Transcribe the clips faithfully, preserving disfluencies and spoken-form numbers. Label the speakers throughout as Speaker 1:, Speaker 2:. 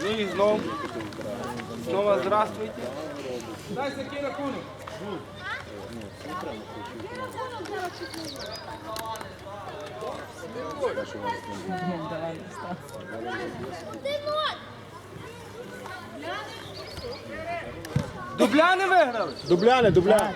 Speaker 1: Ну і знову. Знову здравствуйте. Дай який рахунок. Дубляни виграли?
Speaker 2: Дубляни, дубляни.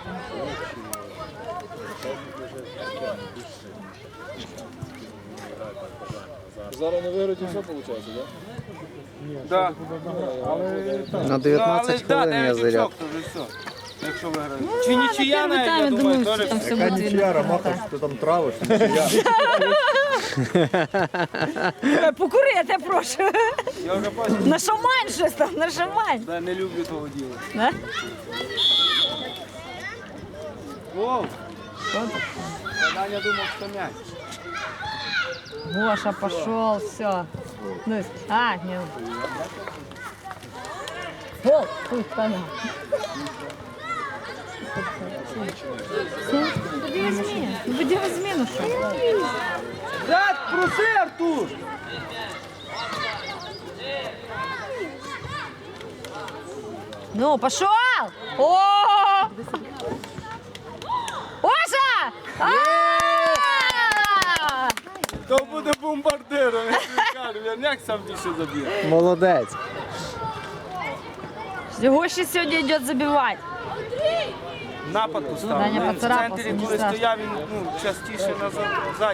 Speaker 2: Зараз не виграють і все виходить, так?
Speaker 1: Так.
Speaker 3: На дев'ятнадцять хвилин я заряд.
Speaker 1: Якщо виграють. Чи нічия навіть, я думаю, теж.
Speaker 2: Яка нічия, Ромаха, ти там травиш, нічия.
Speaker 4: Покурити, прошу.
Speaker 1: Я вже бачу,
Speaker 4: Нашамань щось там, нашамань.
Speaker 1: я не люблю того діла.
Speaker 4: Да?
Speaker 1: Воу! Даня думав, що м'яч.
Speaker 4: Гоша пошел, все. Ну, а, нет. Гол! Тут поймал. Будем зміну. Будем зміну, що?
Speaker 1: Дядь, проси, Артур!
Speaker 4: Ну, пошел! О! Оша! А!
Speaker 1: То буде бомбардиром, я тобі кажу, Вірняк сам більше заб'є.
Speaker 3: Молодець.
Speaker 4: Гоша сегодня идет забивать.
Speaker 1: Напад поставив.
Speaker 4: Даня
Speaker 1: Він в
Speaker 4: поцарапався,
Speaker 1: центрі,
Speaker 4: не
Speaker 1: коли
Speaker 4: страшно.
Speaker 1: стояв, він ну, частіше назад, ззаді.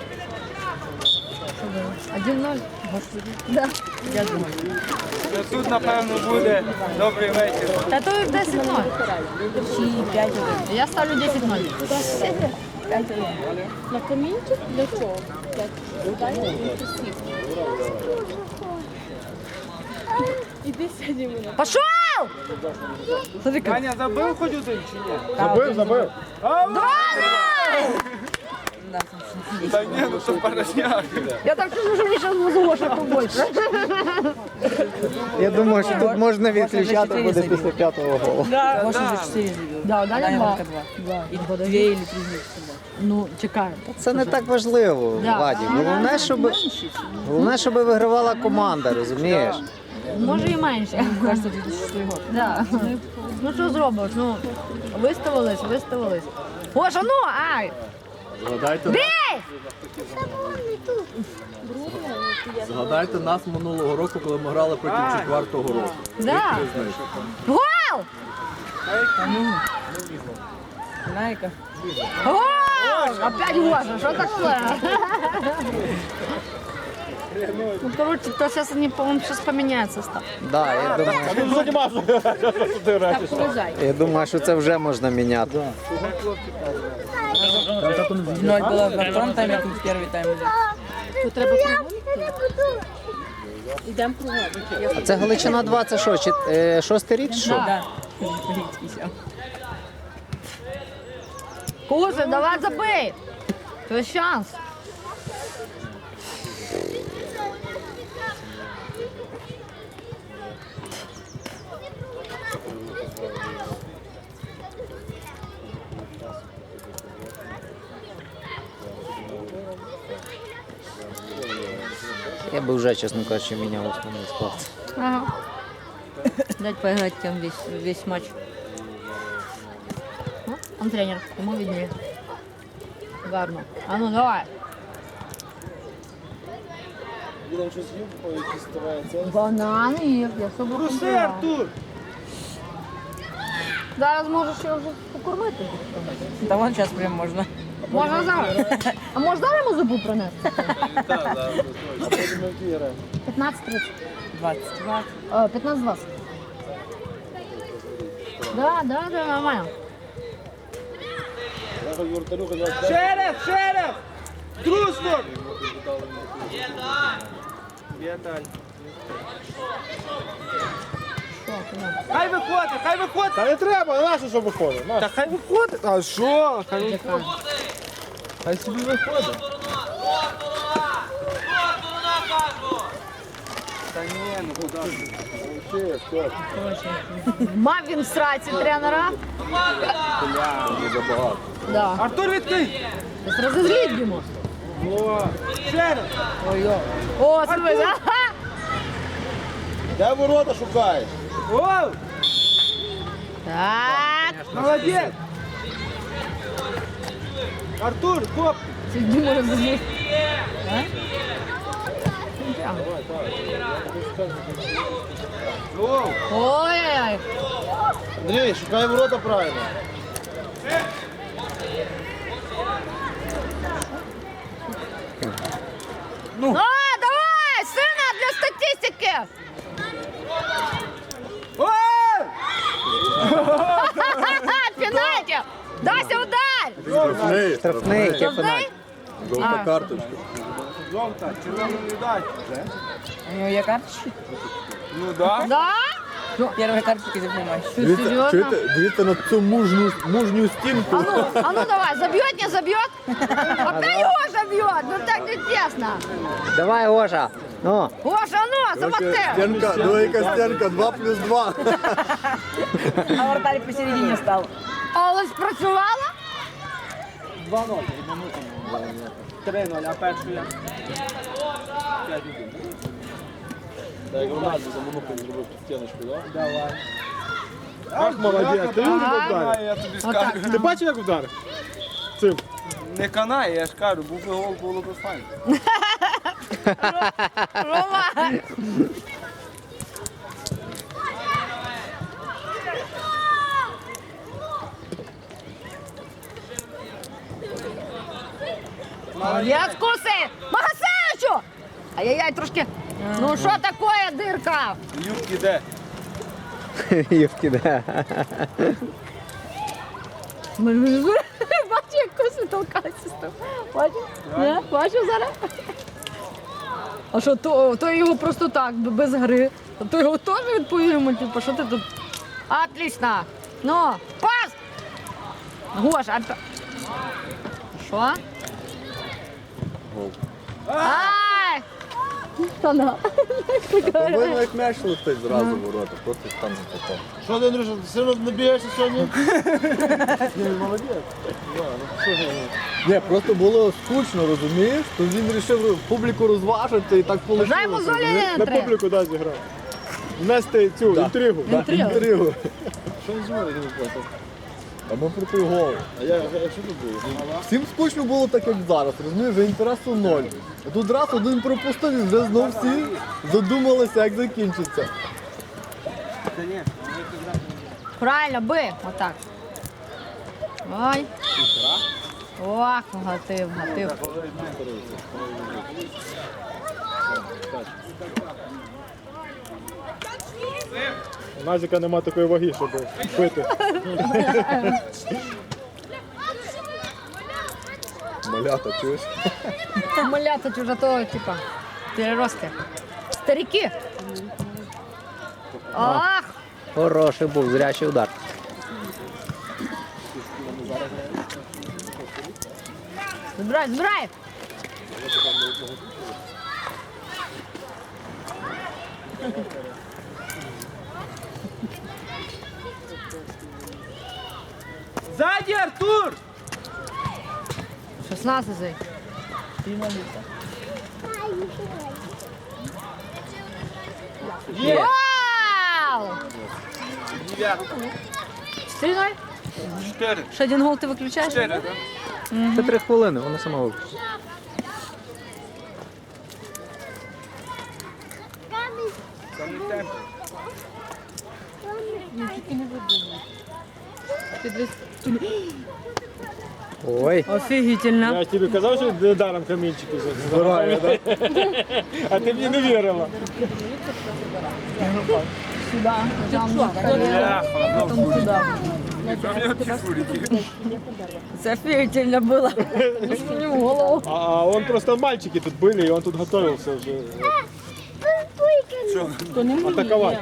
Speaker 4: один ноль. Да. Я думаю.
Speaker 1: Ну, тут, напевно, буде добрий вечір.
Speaker 4: Та то десять ноль. Я ставлю десять ноль.
Speaker 5: На камінчик для чого? Іди сядь мене.
Speaker 4: Пошел! Смотри, как.
Speaker 1: Даня забив хоч один чи ні?
Speaker 2: Забив, забив.
Speaker 1: Та ні, ну то порожняк.
Speaker 4: Я так чувствую, что мне сейчас буду Гоша побольше.
Speaker 3: Я думаю, що тут можна відключати буде після п'ятого голу.
Speaker 4: Да,
Speaker 6: Гоша за четыре забил.
Speaker 4: да, Даня
Speaker 6: Даня
Speaker 4: два.
Speaker 6: Марка два. И две или три мяча.
Speaker 4: Ну, чекаем.
Speaker 3: Це не так важливо,
Speaker 4: Да.
Speaker 3: Владі. Головне, щоб, головне, щоб вигравала команда, розумієш?
Speaker 4: Може і менше.
Speaker 6: Кажется, две тысячи шестой год.
Speaker 4: Да. Ну що зробиш? Ну, виставились, виставились. Гоша, ну, ай!
Speaker 2: Згадайте,
Speaker 4: Бій!
Speaker 2: згадайте нас минулого року, коли ми грали проти четвертого року.
Speaker 4: Да. Гол!
Speaker 6: Найка.
Speaker 4: Гол! Опять Гоша, что такое? Ну, короче, то сейчас они, по-моему, сейчас поменяют состав.
Speaker 3: Да, я думаю,
Speaker 2: Він займався.
Speaker 4: Повезай.
Speaker 3: я думаю, що це вже можна міняти.
Speaker 6: Ноль было во втором тайме, как в первый тайм.
Speaker 5: Тут треба проводити. Ідемо проводити.
Speaker 3: А це Галичина два, це що, чи- е, шостий рік чи що?
Speaker 6: Да. Рицкий сел.
Speaker 4: Гоша, давай забей! То шанс.
Speaker 3: Я би вже, чесно кажучи, міняв основний склад.
Speaker 4: Ага. Дать поиграть тем весь, весь матч. Ну, он тренер, ему виднее. Гарно. А ну давай.
Speaker 2: Будемо щось їв, по якісь ставає це.
Speaker 4: Банан їв, я собі
Speaker 1: Проси,
Speaker 4: купила.
Speaker 1: Артур!
Speaker 4: Зараз можеш його вже покормити.
Speaker 6: Да вон сейчас прям можно.
Speaker 4: Можна зараз. А може зараз йому зубу принести?
Speaker 2: А потім ми в ті граємо.
Speaker 4: п'ятнадцять тридцять.
Speaker 6: двадцать.
Speaker 4: Е, п'ятнадцять двадцять. Да, да, да, нормально.
Speaker 2: Я хоч вратарю, хоч вас
Speaker 1: Ще раз, ще раз! Дружно! Віталь. Хай виходить, хай виходить!
Speaker 2: Та не треба, нащо, щоб виходить? На.
Speaker 1: Та хай виходить! А що? Хай виходить. Хай собі виходить. Та ні, ну куди?
Speaker 2: Ще, все.
Speaker 4: Мав він в сраці тренера.
Speaker 2: Дуже забагато.
Speaker 4: Да.
Speaker 1: Артур, відкрий!
Speaker 4: Тобто розозліть йому.
Speaker 1: О, ще раз!
Speaker 4: О, смотри, ага.
Speaker 2: Де ворота шукаєш?
Speaker 1: Оу!
Speaker 4: Так.
Speaker 1: Молодець! Артур, хоп!
Speaker 4: Це Діма розуміє.
Speaker 1: Оу!
Speaker 4: Ой-ой-ой.
Speaker 2: Андрій, шукай ворота правильно.
Speaker 4: А, давай, сина, для статистики.
Speaker 1: Оу!
Speaker 4: Пенальті. Дайся удар.
Speaker 2: Штрафний.
Speaker 3: Штрафний, який
Speaker 4: Штрафний?
Speaker 3: пенальті.
Speaker 2: Жовта карточка.
Speaker 1: Жовта, червону не дай.
Speaker 6: У него є карточки?
Speaker 1: Ну да.
Speaker 4: Да?
Speaker 6: Первые карточки запоминаешь.
Speaker 4: Що, серйозно?
Speaker 2: дивіться на цю мужню, мужню стінку.
Speaker 4: А ну, а ну давай, забьет, не забьет? Опять Гоша бьет, ну так не тесно.
Speaker 3: Давай, Гоша. Ну,
Speaker 4: Гоша, ну, замахти.
Speaker 2: Стінка, ну яка стінка, два плюс два.
Speaker 6: А вратарь посередине стал.
Speaker 4: Але спрацювала?
Speaker 1: два ноль. три нуль, а першу я. п'ять один.
Speaker 2: Так, як Рональдо за Монухою зробив стіночку, так?
Speaker 1: Давай.
Speaker 2: Ах, молодець, ти
Speaker 4: Ага.
Speaker 2: як вдарив?
Speaker 1: Я тобі
Speaker 4: Отак.
Speaker 1: скажу.
Speaker 2: Ти бачив, як вдарив? Цим.
Speaker 1: Не канає, я ж кажу, був би гол, було б файно.
Speaker 4: Рома. Молодець, куси! Магасевичу! Ай-яй-яй, трошки. Ну що таке, дирка?
Speaker 1: Юбки де?
Speaker 3: Ювки, да.
Speaker 4: Бачу, як куси толкаються з тобою. Бачиш? Не? Бачив зараз? А що, то, то його просто так, без гри. А то його теж відповімо, типу, що ти тут? Отлично. Ну, пас! Гоша, а... Що?
Speaker 2: Гол.
Speaker 4: Ай! Та на.
Speaker 2: Повинно як м'яч летить зразу в ворота, просто там не попав. Що ти, Андрюша, ти все одно не бігаєшся сьогодні? Ні, молодець. Ні, просто було скучно, розумієш? То він вирішив публіку розважити і так вийшло.
Speaker 4: Бажаємо Золі
Speaker 2: На
Speaker 4: три.
Speaker 2: публіку да, зіграв. Внести цю інтригу. Да,
Speaker 4: Інтригу.
Speaker 2: інтригу. Що він зробив? А ми проти гол. А я, що тут було? Всім скучно було так, як зараз, розумієш, вже інтересу ноль. А тут раз один пропустив і вже знов всі задумалися, як закінчиться.
Speaker 1: Та ні.
Speaker 4: Правильно, би. Отак. Ой. Ох, гатив, гатив.
Speaker 2: У Назіка нема такої ваги, щоб пити. Малята, чуєш?
Speaker 4: Малята вже то, типа, переростки. Старики. Ах,
Speaker 3: Хороший був, зрячий удар.
Speaker 4: збирай, збирай.
Speaker 1: Ззаді, Артур!
Speaker 4: шістнадцятий.
Speaker 1: Є!
Speaker 4: Вау!
Speaker 1: Дев'ятка.
Speaker 4: чотири ноль.
Speaker 1: Чотири.
Speaker 4: Ще один гол ти виключаєш?
Speaker 1: Чотири, так?
Speaker 3: Це три хвилини, вона сама виключить.
Speaker 1: Це не темп.
Speaker 3: Ой,
Speaker 4: Офігітельно.
Speaker 2: Я ж тобі казав, що недаром камінчики збираю, так? А ти мені не вірила.
Speaker 1: Бляха, ну,
Speaker 4: Це офігітельно було. Мені в голову.
Speaker 2: А он просто мальчики тут были, и он тут готовился уже атаковать.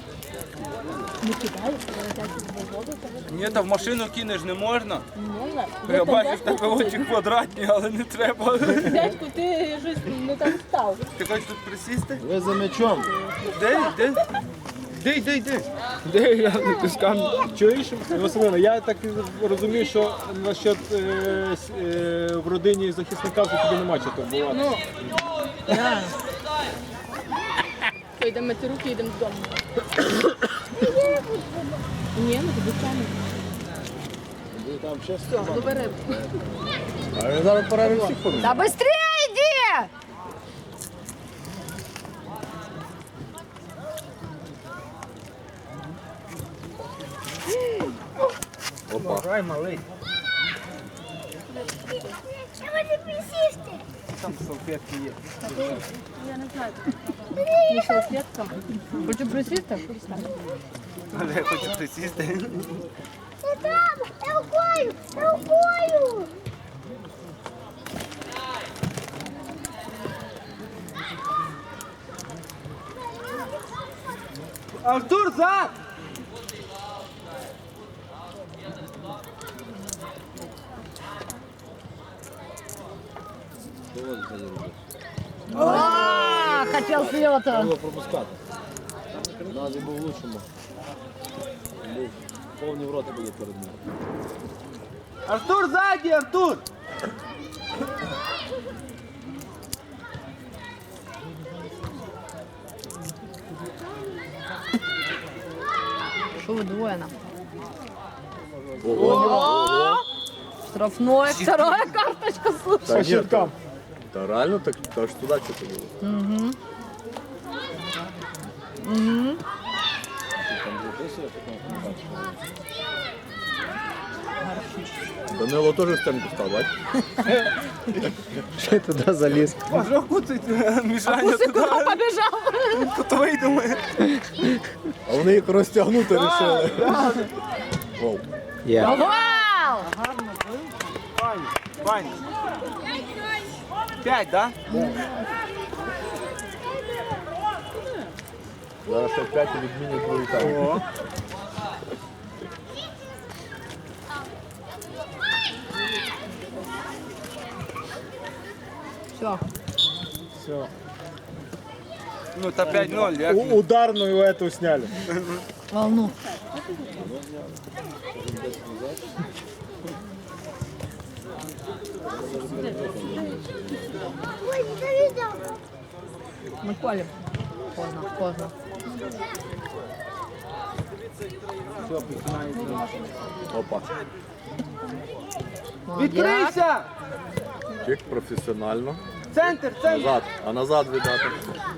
Speaker 1: Ні, та в машину кинеш не можна. Я бачу, в тебе очі квадратні, але не треба.
Speaker 5: Дядьку, ти щось не там став.
Speaker 1: Ти хочеш тут присісти?
Speaker 2: Ви за м'ячом.
Speaker 1: Де, де? Де, де, де?
Speaker 2: Де я не піскам? Чуєш, Василина, я так розумію, що насчет е, с- е, в родині захисника вже тобі нема чого турбувати.
Speaker 5: Все, йдемо мити руки, йдемо додому. Ні, ну тобі самі.
Speaker 2: Там ще
Speaker 5: Все, добери.
Speaker 2: А він зараз перерив всіх поміг.
Speaker 4: Та быстрее йди!
Speaker 1: Грай, малий. Там салфетки є.
Speaker 5: Я не знаю. Не салфетка.
Speaker 4: Хочу присісти?
Speaker 1: Але я хочу присісти.
Speaker 7: Рукою! Рукою!
Speaker 1: Артур, зад!
Speaker 4: А, хотел слета.
Speaker 2: Було пропускати. Назі був в лучшому. Був повні в роти були перед ним.
Speaker 1: Артур, ззаді, Артур!
Speaker 4: Что вы двое нам?
Speaker 2: Ого!
Speaker 4: Штрафной, вторая карточка, слушай.
Speaker 2: Та ні, та, та реально так, та ж туди що було.
Speaker 4: Угу. Угу.
Speaker 2: Данило теж в стенку став, бач?
Speaker 3: Що я туди заліз?
Speaker 1: Може куцить мішання
Speaker 4: Пусть
Speaker 1: туди,
Speaker 4: куда побежал.
Speaker 1: тут вийдемо.
Speaker 2: А вони їх розтягнути вирішили. Воу.
Speaker 3: Є.
Speaker 4: Гол!
Speaker 1: Пані, пані. П'ять, да?
Speaker 2: Зараз ще п'ять і відмінять твою тайму.
Speaker 1: О.
Speaker 4: Все.
Speaker 2: Все.
Speaker 1: Ну та п'ять ноль, як?
Speaker 2: Ударную эту сняли.
Speaker 4: Волну.
Speaker 7: Ой, не видел.
Speaker 4: Мы колем. Поздно, поздно.
Speaker 2: Опа.
Speaker 4: Молодец.
Speaker 1: Відкрийся!
Speaker 2: Чик професіонально.
Speaker 1: Центр, центр!
Speaker 2: Назад. А назад віддати.